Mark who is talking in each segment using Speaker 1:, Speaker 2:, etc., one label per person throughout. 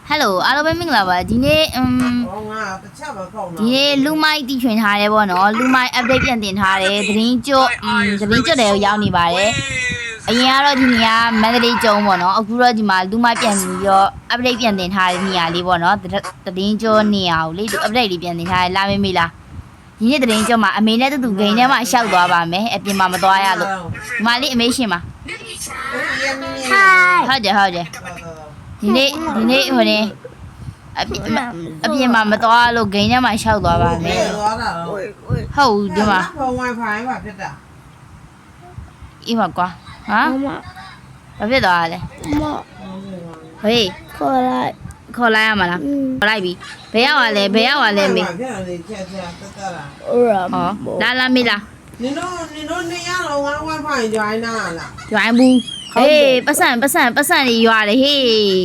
Speaker 1: Hello အားလုံးပဲမင်္ဂလာပါဒီနေ့ဒီနေ့လူမိုက်တီးချွင်ထားတယ်ပေါ့နော်လူမိုက် update ပြန်တင်ထားတယ်သတင်းကျွတ်တယ်ရောက်နေပါတယ်အရင်ကတော့ဒီနေ့ကမန္တလေးကျုံပေါ့နော်အခုတော့ဒီမှာလူမိုက်ပြန်ပြီးတော့ update ပြန်တင်ထားတဲ့နေရာလေးပေါ့နော်သတင်းကျွတ်နေရာကိုလေ update လေးပြန်တင်ထားတယ်လာမေးလားဒီနေ့သတင်းကျွတ်မှာအမေနဲ့တူဂိမ်းထဲမှာရှောက်သွားပါမယ်အပြင်မှာမသွားရလို့ဒီမှာလေးအမေရှင်ပါဟုတ်တယ်ဒီနေ့ဟိုနေအပြင်မှာမသွားလို့ဂိမ်းထဲမှာရှောက်သွားပါမယ်ဟုတ်ဒီမှာ
Speaker 2: Wi-Fi ပါဖြစ်တာ
Speaker 1: အေးပါကွာဟာဘာဖြစ်သွားလဲဟေးခေါ်လိုက်ရမှာလားခေါ်လိုက်ပြီဘယ်ရောက်လဲမေဟောလာမေးလား
Speaker 2: နင်တို့နေရတော့ Wi-Fi join နာလား
Speaker 1: join ဘူးဟေးပတ်စံတွေရွာတယ်ဟေး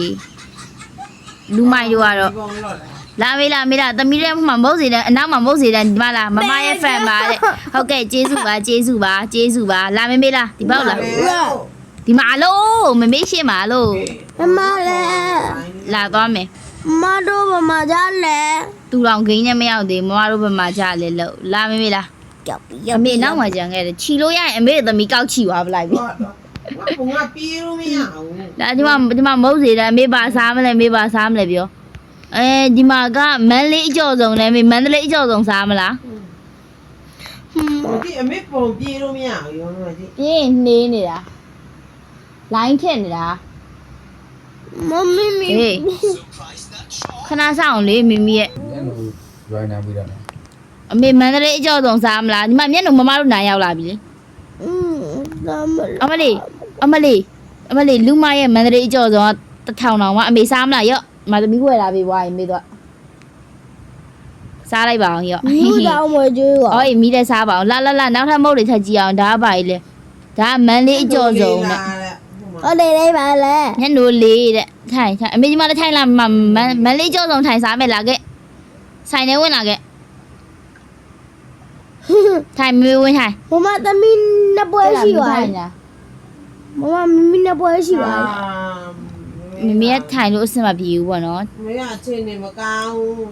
Speaker 1: လူမိုက်တို့ကတော့လာမေးလားသမီးရဲ့မှာမဟုတ်စေတဲ့အနောက်မှာမဟုတ်စေတဲ့ဒီမှာလားမမရဲ့ fan ပါတဲ့ဟုတ်ကဲ့ကျေးဇူးပါလာမေးလားဒီပေါက်လားဒီမှာလို့မမေးရှင်းပါလို့
Speaker 3: မလဲ
Speaker 1: လာသွားမယ်
Speaker 3: မတို့ဘမကြလဲ
Speaker 1: သူတော်ဂိမ်းနဲ့မရောက်သေးမမတို့ဘမကြလဲလို့လာမေးလား
Speaker 3: ကြောက်ပြီး
Speaker 1: အမေနောက်မှကြံခဲ့တယ်ခြီလို့ရရင်အမေသမီးကောက်ခြီသွားပလိုက်ပြီ
Speaker 2: ဘုံကပြေးလို့မရဘူး
Speaker 1: ဒါဒီမှာမဟုတ်စေတဲ့အမေပါစားမလဲပြောဒီမှာကမန္တလေးအကျော်ဆုံးလဲမေမန္တလေးအကျော်ဆုံးစားမလား
Speaker 2: ဒီအမေပုံပြေးလို့မရဘူးရောမကြီး
Speaker 1: ပြေးနှေးနေတာလိုင်းထက်နေတာ
Speaker 3: မမီ
Speaker 1: ဟေးခဏဆောင်လေမိမိရဲ့
Speaker 4: ရွိုင်းနေပြီးတော့
Speaker 1: အမေမန္တလေးအကျော်ဆုံးစားမလားဒီမှာမျက်နှာမမတို့နိုင်ရောက်လာပြီလေအမလေးလူမရဲ့မန္တလေးအကျော်ဆုံးက1000တောင်မှအမေစားမလားရော့မသမီးဝယ်လာပြီဘွားရင်မေးတော့စားလိုက်ပါအောင်ရော့
Speaker 3: မူတောင်မကျွေးပါ
Speaker 1: ဟောမီးတဲ့စားပါအောင်လာနောက်ထပ်မုတ်တွေထပ်ကြည့်အောင်ဒါကပါလေဒါကမန္တလေးအကျော်ဆုံးတဲ့
Speaker 3: ဟုတ်တယ်လေးပါလေ
Speaker 1: ညနိုးလေးတဲ့ထိုင်အမေကြီးမလည်းထိုင်လာမန္တလေးအကျော်ဆုံးထိုင်စားမယ်လားခဲ့ဆိုင်ထဲဝင်လာခဲ့ထိုင်မေးဝင်ထိုင်
Speaker 3: မမသမီးနှစ်ပွဲရှိပါမမမီးနှစ်ပွဲရှိပါ
Speaker 1: မမေကထိုင်လို့အဆင်မပြေဘူးပေါ့နော်
Speaker 2: မမေကအချိန်နေမကောင်းဘူး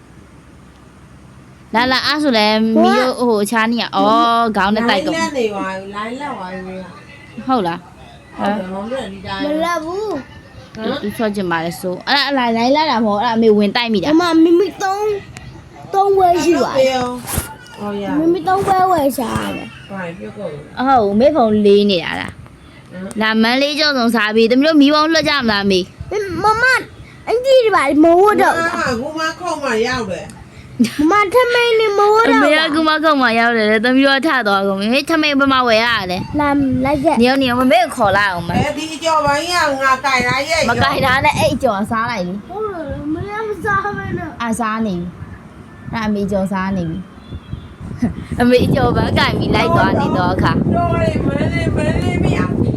Speaker 1: လာအားဆိုလဲမီးတို့ဟိုချားနေရဩခေါင်းနဲ့တိုက်ကုန်
Speaker 2: လိုင်းလက်နေပါလိုင်းလက်ပါပြီ
Speaker 1: ဟုတ်လား
Speaker 3: မလက်ဘူး
Speaker 1: သူချော့ချင်ပါလေဆိုအဲ့ဒါလိုင်းလာတာမဟုတ်အဲ့အမေဝင်တိုက်မိတာ
Speaker 3: မမမီ3ဝဲရှိပါမမီ3ဝဲရှာတယ်
Speaker 2: ဘာပြုတ်ကုန်
Speaker 1: ဟုတ်မေဖုံလေးနေတာလားလာမန်းလေးကျော်ဆုံးစားပြီးတမီးတို့မီးပေါင်းလွှတ်ကြမလားမေ
Speaker 3: မမအင်ကြီးဒီပါမဝတ်တော့
Speaker 2: ကူမခုံမရောက်တယ်
Speaker 3: မထမိန်နေမဝတ်တော့
Speaker 1: အမေကကူမခုံမရောက်တယ်တမီးတို့ထသွားကုန်ပြီထမိန်ဘမဝယ်ရတယ်
Speaker 3: လာလိုက်ခဲ့
Speaker 1: နေမမေခေါ်လိုက်အောင်မ
Speaker 2: ဒီအကျော်ပိုင်းကငါကြိုင်လာရဲ့
Speaker 1: မကြိုင်တာနဲ့အဲ့အကျော်စားလိုက်လေ
Speaker 3: ဟုတ်တယ်မရမစားမနဲ့
Speaker 1: စားနေပြီအဲ့အမေကျော်စားနေပြီအမေကျော်ဘာကြိုင်ပြီးလိုက်သွားနေတော့အခါ
Speaker 2: တော့မလေးမရ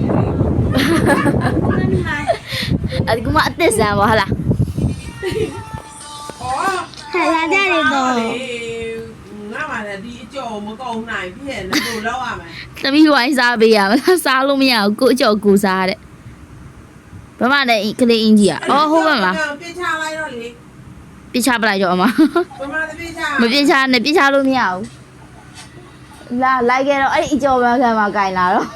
Speaker 1: အဲ့ဒီကအသက်ဆန်ပါဟလား
Speaker 3: ဟဲ့လာကြတယ်တော့
Speaker 2: ငါမှလည်းဒီအကျော်မကုန်နိုင်ဖြစ်နေလို့လောက်ရမယ်
Speaker 1: သမီးဝိုင်းစားပေးရမလားစားလို့မရဘူးကိုအကျော်ကိုစားတဲ့ဘာမှလည်းကလေးအင်းကြီးอ่ะအော်ဟုတ်ပါမလား
Speaker 2: ပြစ်ချလိုက်တော့လေ
Speaker 1: ပြစ်ချပလိုက်တော့အမ
Speaker 2: ဘာမှပြစ်ချ
Speaker 1: မပြစ်ချနဲ့ပြစ်ချလို့မရဘူးလာလိုက်ခဲ့တော့အဲ့ဒီအကျော်ဘန်းခံမှာကင်လာတော့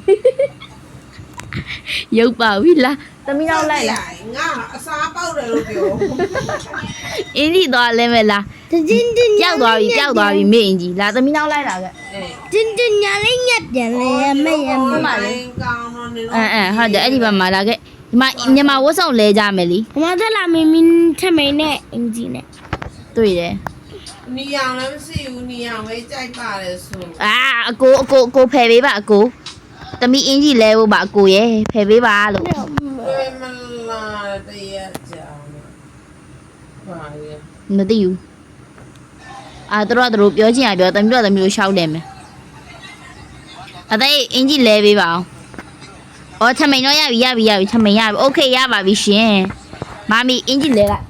Speaker 1: ရုပ်ပါပြီလားသမီးတော့လိုက်လား
Speaker 2: ငါအစားပေါက်တယ်လို့ပြော
Speaker 1: အင်းကြီးသွားလဲမဲ့လား
Speaker 3: တင်း
Speaker 1: ကြောက်သွားပြီမေ့အင်းကြီးလာသမီးတော့လိုက်လာခဲ့
Speaker 3: တင်းညာလေးညက်ပြန်လေမေ့ရ
Speaker 2: မလေးကောင်းတော့နေတော့
Speaker 1: ဟုတ်တယ်အဲ့ဒီဘက်မှာလာခဲ့ဒီမှာမြန်မာဝတ်ဆောင်လဲကြမယ်လी
Speaker 3: မသက်လာမင်းထမိန်နဲ့အင်ကြီးနဲ့
Speaker 1: တွေ့တယ်
Speaker 2: နီအောင်လည်းမရှိဘူးနီအောင်ပဲကြိုက်ပါတယ်ဆို
Speaker 1: အကိုဖယ်ပေးပါအကိုသမီးအင်းကြီးလဲဖို့ပါအကိုရဲ့ဖယ်ပေးပါလို့
Speaker 2: မလာတရားကြောင်ပါရဲ့
Speaker 1: မသိဘူးတို့ပြောချင်ရပြောသမီးတို့ရှောက်တယ်မယ်အသေးအင်းကြီးလဲပေးပါအောင်ထမိန်တော့ရပြီထမိန်ရပြီโอเคရပါပြီရှင်မမီအင်းကြီးလဲလိုက်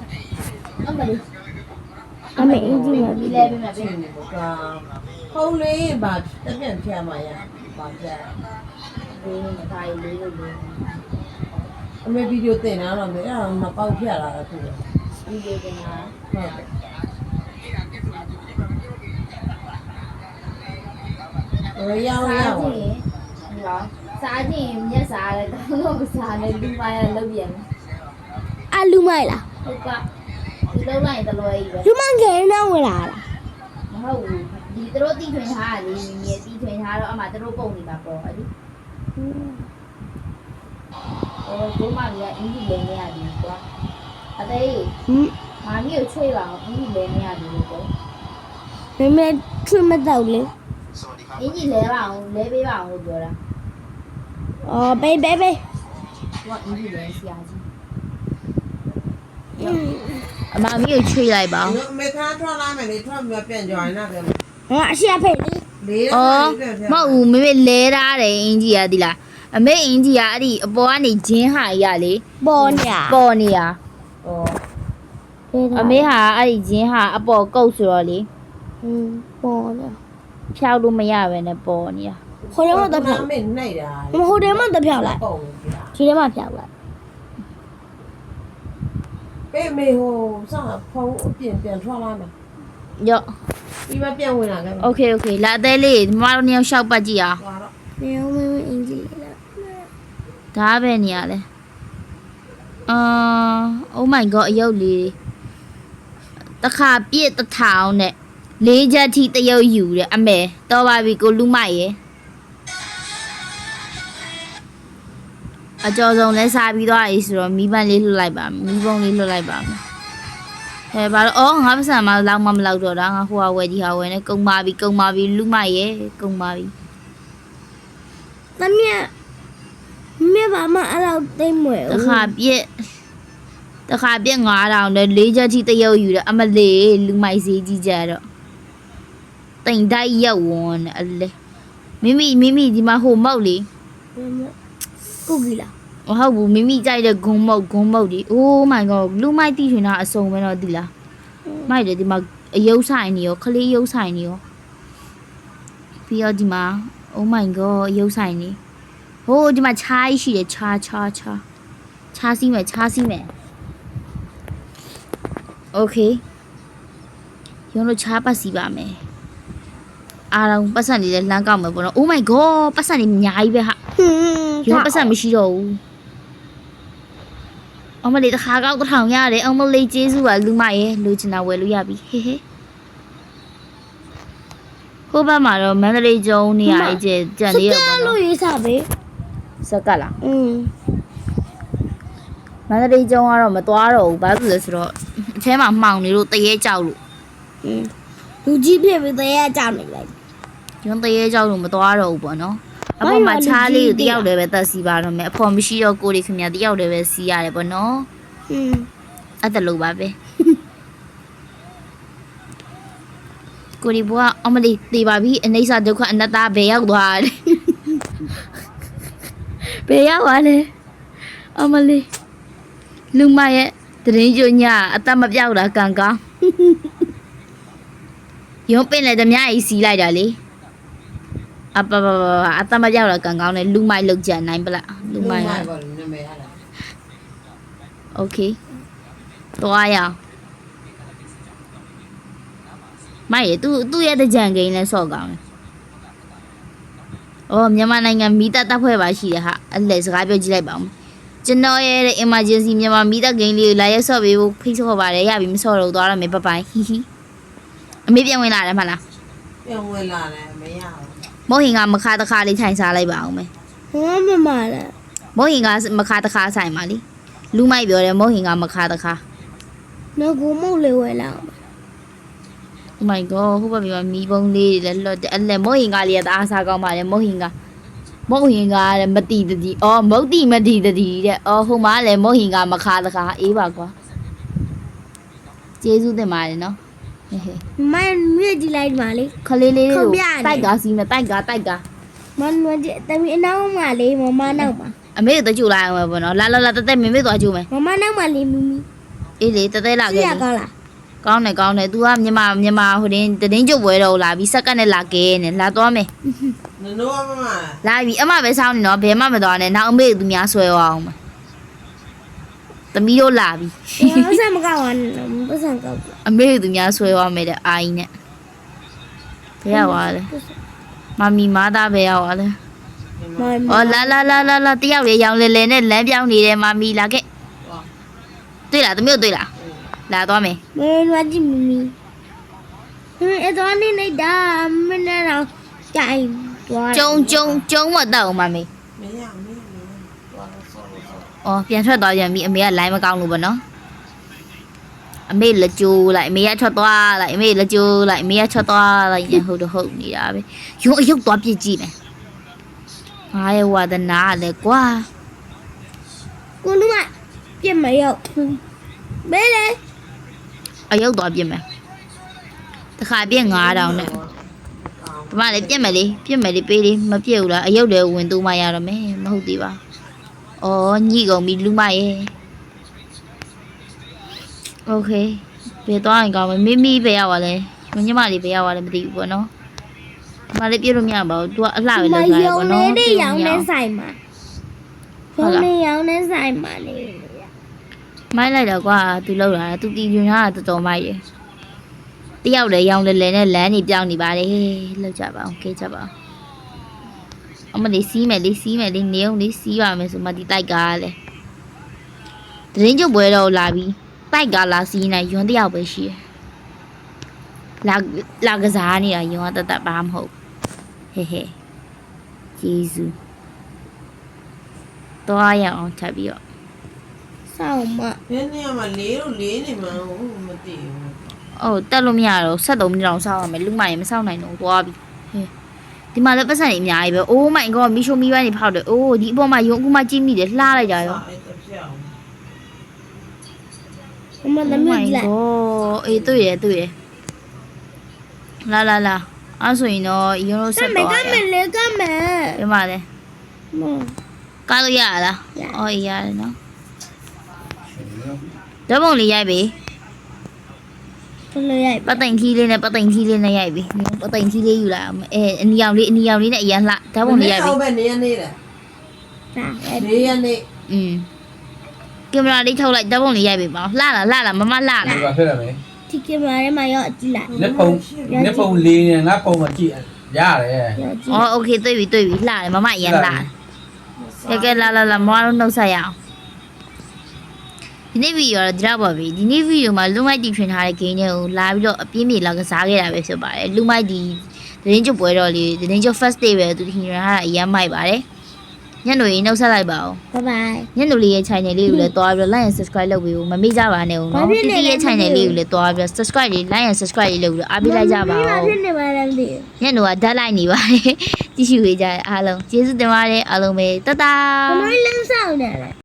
Speaker 3: အမေအင်ကြီးမှာ
Speaker 1: လဲပေးမယ်ပြင်
Speaker 2: နေပေါ့ဖုံးလေးပါတပြက်ဖြတ်มาရပါကြ
Speaker 1: လေးနဲ့မသားလေးလို့
Speaker 2: အမေဗီဒီယိုတင်တာတော့မေအဲ့ဒါမပေါက်ဖြတ်လာတာသူက
Speaker 1: ဒီလိုတင်တာ
Speaker 2: ဟုတ်တယ်ရအောင်ရအောင်
Speaker 1: စားခြင်းမျက်စားလည်းတော့မစားနဲ့လူမရလောက်ပြန်
Speaker 3: အလူမိုက်လား
Speaker 1: ဟုတ်ကဒီလောက်လိုက်တလွဲကြီးပဲ
Speaker 3: လူမငယ်နေဝင်လာလား
Speaker 1: မဟုတ်ဘူးဒီသူတို့တီးထွင်ထားတာလေမြင်မြင်တီးထွင်ထားတော့အမှသူတို့ပုံနေမှာပေါ့အဲ့ဒီဘိုးမကြီးကအင်းကြီးလဲနေရတယ်ကွာအသေး
Speaker 3: ဟင်
Speaker 1: မာမီကိုချွေးပါအောင်အင်းကြီးလဲနေရတယ်လို့ပေါ့
Speaker 3: မမေထွတ်မတော့လေ
Speaker 1: အင်းကြီးလဲပါအောင်လဲပေးပါအောင်လို့ပြောတာ
Speaker 3: အော်ဘေးဘေးဘေး
Speaker 1: သူကအင်းကြီးလဲဆရာကြီးအမမီကိုချွေးလိုက်ပါအောင်
Speaker 2: မေခါထွက်လာမယ်လေထွက်ပြီးပြန်ကြွရင်တော့ပြန်
Speaker 3: ဟာအရှိအဖေလေ
Speaker 2: လေး
Speaker 1: အော်မဟုတ်ဘူးမေမေလဲထားတယ်အင်းကြီးကဒီလားအမေအင်းကြီးကအဲ့ဒီအပေါ်ကနေဂျင်းဟာကြီးကလေ
Speaker 3: ပေါ်ညာ
Speaker 1: ပေါ်နေတာ
Speaker 2: အော်
Speaker 1: အမေဟာအဲ့ဒီဂျင်းဟာအပေါ်ကုတ်ဆိုတော့လေ
Speaker 3: ပေါ်ညာ
Speaker 1: ဖြောက်လို့မရပဲနဲ့ပေါ်နေတာ
Speaker 3: ခေါ်ရမတော့ဖြောက်
Speaker 2: မင်းနှိပ်တာ
Speaker 3: မဟိုတယ်မတော့ဖြောက်လိုက်
Speaker 2: ပုံပြ
Speaker 3: ဒီထဲမှာဖြောက်လိုက်
Speaker 2: ပေးမေဟိုစောင့်ဖုန်းအပြင်ပြန်ထွက်လာမယ်
Speaker 1: ရော့
Speaker 2: ပြီးမှပြန်ဝင်လာခဲ့
Speaker 1: โอเคโอเคလာအသေးလေးမမတို့နှစ်ယောက်ရှောက်ပတ်ကြည့်အောင်
Speaker 2: သွားတော့
Speaker 3: နေအောင်မင်းအင်ဂျီလာ
Speaker 1: ဒါပဲနေရလဲoh my god အယုတ်လေးတခါပြည့်တစ်ထောင်နဲ့လေးချက်ထိတရုပ်ယူတယ်အမေတော်ပါပြီကိုလူမိုက်ရယ်အကျော်ဆုံးလဲစားပြီးသွားပြီဆိုတော့မီးပန်းလေးလွှတ်လိုက်ပါမီးပုံးလေးလွှတ်လိုက်ပါမယ်ဘာလို့ငါပစံမလောက်မလောက်တော့တာငါဟိုဟာဝယ်ဒီဟာဝယ်နေကုံပါပြီလူမိုက်ရယ်ကုံပါပြီ
Speaker 3: တမီးမြမမအဲ့လောက်သိမ့်မွယ်
Speaker 1: တခါပြည့်9000နဲ့၄ချက်ထိတရုပ်ယူတယ်အမလေးလူမိုက်စည်းကြီးကြတော့တိမ်တိုက်ရောက်ဝင်အလေမိမိဒီမှာဟိုမောက်လေ
Speaker 3: ကုကီလာ
Speaker 1: မဟုတ်ဘူးမိမိကြိုက်တဲ့ဂုံမုတ်ဒီ oh my god လူမိုက်တီးထွင်တာအစုံပဲတော့ဒီလားမိုက်တယ်ဒီမှာအယုတ်ဆိုင်နေရောခလေးယုတ်ဆိုင်နေရောပြီးတော့ဒီမှာ oh my god အယုတ်ဆိုင်နေဟိုဒီမှာခြားရှိတယ်ခြားစီးမယ် okay ရုံးလို့ခြားပတ်စီပါမယ်အားလုံးပတ်စံလေးလည်းလမ်းကောက်မယ်ပေါ့နော် oh my god ပတ်စံလေးအများကြီးပဲဟာ ရုံးပတ်စံမရှိတော့ဘူးအမလေးတစ်ခါကောက်တစ်ထောင်ရတယ်အမလေးကျေးဇူးပါလူမရဲ့လူချင်တာဝယ်လို့ရပြီဟေဟေဟိုဘက်မှာတော့မန္တလေးကျုံနေရာကြီးကြံနေရပါ
Speaker 3: လို့
Speaker 1: တော့
Speaker 3: ရေးစားပဲ
Speaker 1: စက်ကလားမန္တလေးကျုံကတော့မသွားတော့ဘူးဘာလို့လဲဆိုတော့အထဲမှာမှောင်နေလို့တရေကြောက်လို့
Speaker 3: လူကြီးဖြစ်ပြီးတရားကြောက်နေလိုက်
Speaker 1: ရုံးတရေကြောက်လို့မသွားတော့ဘူးပေါ့နော်အပေါ်မှာချားလေးကိုတယောက်တည်းပဲတက်စီပါတော့မယ်အဖော်မရှိတော့ကိုရီခင်ဗျာတယောက်တည်းပဲစီးရတယ်ပေါ့နော်အဲ့ဒါလို့ပါပဲကိုရီဘွားအမလေးတေးပါပြီအနေစာဒုက္ခအနတ္တဘယ်ရောက်သွားလဲဘယ်ရောက်သွားလဲအမလေးလူမရဲ့တရင်ညညအသက်မပြောက်တာကံကောင်းရုံးပင်လေဓမြကြီးစီးလိုက်တာလေအပပအသက်မပြောက်တာကံကောင်းတယ်လူမိုက်လောက်ကြံနိုင်ပလားလူမိုက်
Speaker 2: ပါလေနမေဟာလား
Speaker 1: โอเคသွားရအောင်မိုက်ရသူ့ရဲ့တကြံကိန်းလဲဆော့ကောင်းတယ်။အော်မြန်မာနိုင်ငံမီတာတပ်ဖွဲ့ပါရှိတယ်ဟာအဲ့လေစကားပြောကြည့်လိုက်ပါဦး။ကျွန်တော်ရဲ့ emergency မြန်မာမီတာကိန်းလေးကိုလာရက်ဆော့ပေးဖို့ဖိတ်ဆော့ပါတယ်ရပြီမဆော့တော့သွားရမယ်ဘပိုင်ဟီဟီအမေပြန်ဝင်လာတယ်မလား
Speaker 2: ပြန်ဝင်လာတယ်မရဘူး
Speaker 1: ။မို့ဟင်ကမခါတခါလေးထိုင်စားလိုက်ပါအောင်မယ်
Speaker 3: ဟောမမလား
Speaker 1: ။မို့ဟင်ကမခါတခါဆိုင်ပါလေ။လူမိုက်ပြောတယ်မို့ဟင်ကမခါတခါ
Speaker 3: နော်ကိုမုတ်လေးဝဲလာ
Speaker 1: Oh my god ဟိုဘက်မှာမီးပုံးလေးတွေလည်းလွတ်တယ်အဲ့လေမို့ဟင်ကလေးကတအားစားကောင်းပါလေမို့ဟင်ကလည်းမတီတတီအော်မုတ်တီမတီတတီတဲ့အော်ဟိုမှာလည်းမို့ဟင်ကမခါတခါအေးပါကွာကျေးဇူးတင်ပါတယ်နော်ဟေးဟေး
Speaker 3: မမြည့်ကြည့်လိုက်ပါလေ
Speaker 1: ခလေးလေးကို
Speaker 3: ခုံပြရတယ်
Speaker 1: တိုက်ကားစီးမယ်တိုက်ကား
Speaker 3: မနွကြတမီအနောက်မှာလေးမမနောက်မှာ
Speaker 1: အမေတို့ကြိုလိုက်အောင်ပဲပေါ့နော်လာတက်မမေသွားကြိုမယ်
Speaker 3: မမနောက်မှာလေးမီမီ
Speaker 1: အေးလေတက်လာ
Speaker 3: စီ
Speaker 1: ခဲ့
Speaker 3: ရကောင်းလား
Speaker 1: ကောင်းတယ် तू ကမြန်မာဟိုတင်းကျုပ်ပွဲတော့လာပြီးစက္ကန့်နဲ့လာကဲနေလာသွားမယ်
Speaker 2: နိုးမမ
Speaker 1: လာပြီအမပဲစောင်းနေနော်ဘယ်မှမသွားနဲ့နောက်အမေသူများဆွဲအောင်မယ်သမီးတို့လာပြီ
Speaker 3: 我怎么搞完？不想搞。
Speaker 1: အမေသူများဆွဲသွားမယ်တဲ့အာကြီးနဲ့ဘယ်ရောက်သွားလဲမမီမားသားဘယ်ရောက်သွားလဲ
Speaker 3: 妈
Speaker 1: အော်လာတယောက်လေးရောင်လဲလဲနဲ့လမ်းပြောင်းနေတယ်မမီလာခဲ့တွေ့လားသမီးတို့တွေ့လားလာသွားမယ်
Speaker 3: 没乱进咪咪。昨天那打没那让改。
Speaker 1: ကျုံမတော့မမေ
Speaker 2: မရမင်းသွားတော့ဆော့ဆော့
Speaker 1: အော်ပြန်ထွက်သွားပြန်ပြီအမေကလိုင်းမကောင်းလို့ပေါ့နော်အမေလက်ကျိုးလိုက်အမေကထွက်သွားလိုက်အမေလက်ကျိုးလိုက်အမေကထွက်သွားလိုက်ညဟုတ်တော့ဟုတ်နေတာပဲရုံအယုတ်သွားပြစ်ကြည့်မယ်ငါရဲ့ဝါဒနာလေကွာ
Speaker 3: ကိုလူမပြစ်မရောက်မဲလေ
Speaker 1: အယုတ်သွားပြစ်မယ်တခါပြစ်9000နဲ့ဒီမှာလေပြစ်မယ်လေပေးလေမပြစ်ဘူးလားအယုတ်လည်းဝင်သူမှရတော့မယ်မဟုတ်သေးပါအော်ညှိကုန်ပြီလူမရဲ့โอเคဘယ်သွားရင်ကောင်းမလဲမိပဲရောက်ပါလဲညီမလေးပဲရောက်ပါလဲမသိဘူးပေါ့နော်ဒီမှာလေးပြစ်လို့မရပါဘူး तू ကအလှပဲလောက်ကြရပေါ့နော်
Speaker 3: နေရောင်နဲ့ဆိုင်မှာရုံနေရောင်နဲ့ဆိုင်မှာလေ
Speaker 1: မိုက်လိုက်တော့ကွာ तू လောက်တာ तू တီပြင်းတာတော်တော်မိုက်တယ်တယောက်လည်းရောင်လဲလဲနဲ့လမ်းနေပြောင်းနေပါလေလောက်ကြပါအောင်ကဲကြပါအောင်အမလေးစီးမယ်လေးနေအောင်လေးစီးပါမယ်ဆိုမှဒီတိုက်ကားလဲတရင်ကျုပ်ပွဲတော့လာပြီတိုက်ကားလာစီးနေရွံတယောက်ပဲရှိတယ်လာကစားနေတာရွံတတ်ဘာမဟုတ်ဟဲဂျေဇူးတော့ရအောင်ချက်ပြီးတော့
Speaker 3: ဆောင်းမ
Speaker 2: ဘယ်နေရာမှာလေးလို့လေးနေမှာဟုတ်မသိဘူး
Speaker 1: အိုးတက်လို့မရတော့73မိနစ်လောက်စောင့်ရမယ်လူမရင်မစောင့်နိုင်တော့သွားပြီဟဲ့ဒီမှာလည်းပတ်စံနေအများကြီးပဲ Oh my god မီရှိုမီပိုင်းနေဖောက်တယ်အိုးဒီအပေါ်မှာယုံအခုမှကြည့်မိတယ်လှလိုက်ကြရော
Speaker 2: အဲ့တစ်ပြောင်း
Speaker 3: မမသမီးလိုက်
Speaker 1: အေးတွေ့ရလာအဲ့ဆိုရင်တော့ယုံလို့ဆက်သွားရ
Speaker 3: ကမယ်လေကမယ်
Speaker 1: ဒီမှာလဲ
Speaker 3: မ
Speaker 1: ကားလို့ရလားအော်အေးရတယ်နော်ဓာတ်ပုံလေးရိုက်ပြီ
Speaker 3: ဘယ်လိုရိုက်
Speaker 1: ပတ်သိမ်ခီးလေးနဲ့ရိုက်ပြီပတ်သိမ်ခီးလေးယူလာအနီရောင်လေးနဲ့အရန်လှဓာတ်ပုံလေးရိုက်ပြီ
Speaker 2: ဟုတ်ပဲနေရနေတာ
Speaker 3: ဒါ
Speaker 2: နေရနေ
Speaker 1: ကင်မရာလေးထုတ်လိုက်ဓာတ်ပုံလေးရိုက်ပြီပေါ့လှလားမမလှလား
Speaker 4: ဒီပါဖြစ်ရမယ်
Speaker 3: ဒီကင်မရာထဲမှာရောက်ကြည့်လိုက်
Speaker 4: လက်ပုံလေးနဲ့ငါပုံမကြည့်ရတယ်
Speaker 3: ရောက်ကြည့်
Speaker 1: အော်โอเคတွေ့ပြီလှတယ်မမအရန်လှကဲလာမမတို့နှုတ်ဆက်ရအောင်ဒီနေ့ဗီဒီယိုတော့ဒီတော့ပါပြီဒီနေ့ဗီဒီယိုမှာလူမိုက်တီထွင်ထားတဲ့ game တွေကိုလာပြီးတော့အပြင်းပြေလာကစားခဲ့တာပဲဖြစ်ပါတယ်လူမိုက်ဒီသတင်းကျုပ်ပွဲတော်လေးသတင်းကျုပ် first day ပဲသူထင်ရတာအရန်မိုက်ပါတယ်ညနေရင်နှုတ်ဆက်လိုက်ပါဦး
Speaker 3: ဘိုင်ဘိုင်
Speaker 1: ညနေလေးရဲ့ channel လေးကိုလည်းတွားပြီးတော့ like and subscribe လုပ်ပြီးမမေ့ကြပါနဲ့ဦးနော်တီတီရဲ့ channel လေးကိုလည်းတွားပြီးတော့ subscribe လေး like and subscribe လေးလုပ်ပြီးတော့အားပေးလိုက်ကြပါ
Speaker 3: ဘာ
Speaker 1: ဦး
Speaker 3: ဖြစ်နေပါလဲမသိ
Speaker 1: ညနေကဓာတ်လိုက်နေပါတယ်ကြည့်ရှုပေးကြတဲ့အားလုံးကျေးဇူးတင်ပါတယ်အားလုံးပဲတတာ
Speaker 3: ဘူးဘယ်လိုလဲစောင်းနေလဲ